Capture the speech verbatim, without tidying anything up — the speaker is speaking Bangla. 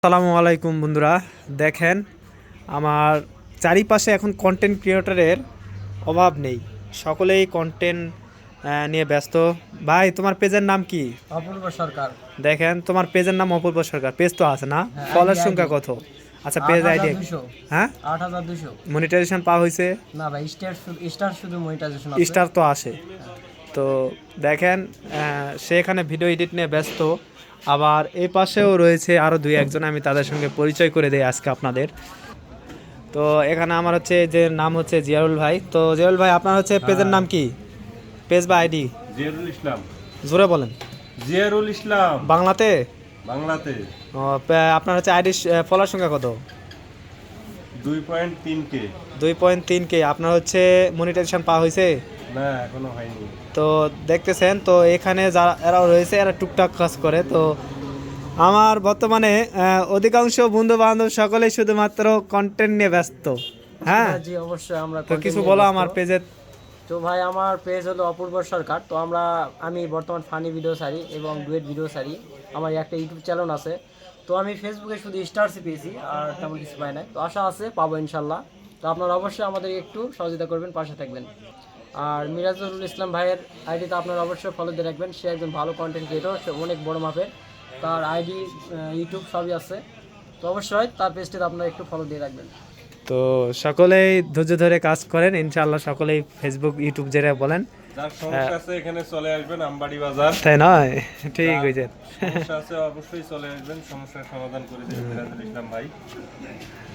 আসসালামু আলাইকুম বন্ধুরা, দেখেন আমার চারিপাশে এখন কন্টেন্ট ক্রিয়েটরের অভাব নেই, সকলেই কন্টেন্ট নিয়ে ব্যস্ত। ভাই, তোমার পেজের নাম কি? অপূর্ব সরকার। দেখেন, তোমার পেজের নাম অপূর্ব সরকার, পেজ তো আছে না? হ্যাঁ, ফলোয়ার আইডি, সংখ্যা আইডি। কত? আচ্ছা, পেজ আইডি। হ্যাঁ, আট হাজার দুশো। মনিটাইজেশন পাওয়া হয়েছে? না ভাই, স্টার স্টার শুধু মনিটাইজেশন আছে। স্টার তো আসে। তো দেখেন, আহ, সে এখানে ভিডিও এডিট নিয়ে ব্যস্ত। আবার এই পাশেও রয়েছে আরও দুই একজন, আমি তাদের সঙ্গে পরিচয় করে দেই আজকে আপনাদের। তো এখানে আমার হচ্ছে যে নাম হচ্ছে জিয়ারুল ভাই। তো জিয়ারুল ভাই, আপনার হচ্ছে পেজের নাম কি? পেজ বা আইডি? জিয়ারুল ইসলাম। জোরে বলেন। জিয়ারুল ইসলাম। বাংলাতে? বাংলাতে। ও, পে- আপনার হচ্ছে আইডি ফলোয়ার সংখ্যা কত? দুই পয়েন্ট তিন কে। দুই পয়েন্ট তিন কে। আপনার হচ্ছে মনিটাইজেশন পাওয়া হয়েছে? না, এখনো হয়নি। তো দেখতেছেন, তো এখানে যারা এরাও রয়েছে, এরা টুকটাক কাজ করে। তো আমার বর্তমানে আহ, অধিকাংশ বন্ধু বান্ধব সকলেই শুধুমাত্র কন্টেন্ট নিয়ে ব্যস্ত। হ্যাঁ, জি অবশ্যই আমরা তো content কিছু নিয়ে বলো ব্যস্ত। আমার পেজের। তো ভাই, আমার পেজ হলো অপূর্ব সরকার। তো আমরা আমি বর্তমান ফানি ভিডিও ছাড়ি এবং ডুয়েট ভিডিও ছাড়ি। আমার একটা ইউটিউব চ্যানেল আছে। তো আমি ফেসবুকে শুধু স্টারসই পেয়েছি, আর তেমন কিছু পাই নাই। তো আশা আছে পাবো ইনশাল্লাহ। তো আপনারা অবশ্যই আমাদের একটু সহযোগিতা করবেন, পাশে থাকবেন। আর মিরাজুল ইসলাম ভাইয়ের আইডিতে আপনারা অবশ্যই ফলো দিয়ে রাখবেন। সে একজন ভালো কন্টেন্ট ক্রিয়েটর, সে অনেক বড় মাপের। তার আইডি, ইউটিউব সবই আছে। তো অবশ্যই তার পেজটিতে আপনারা একটু ফলো দিয়ে রাখবেন। তো সকলেই ধৈর্য ধরে কাজ করেন, ইনশাআল্লাহ সকলেই ফেসবুক ইউটিউব যেটা বলেন। যার সমস্যা আছে এখানে চলে আসবেন, আমবাড়ি বাজার। তাই নয়? ঠিক হয়েছে। সমস্যা আছে অবশ্যই চলে আসবেন, সমস্যার সমাধান করে দেবেন মিরাজুল ইসলাম ভাই।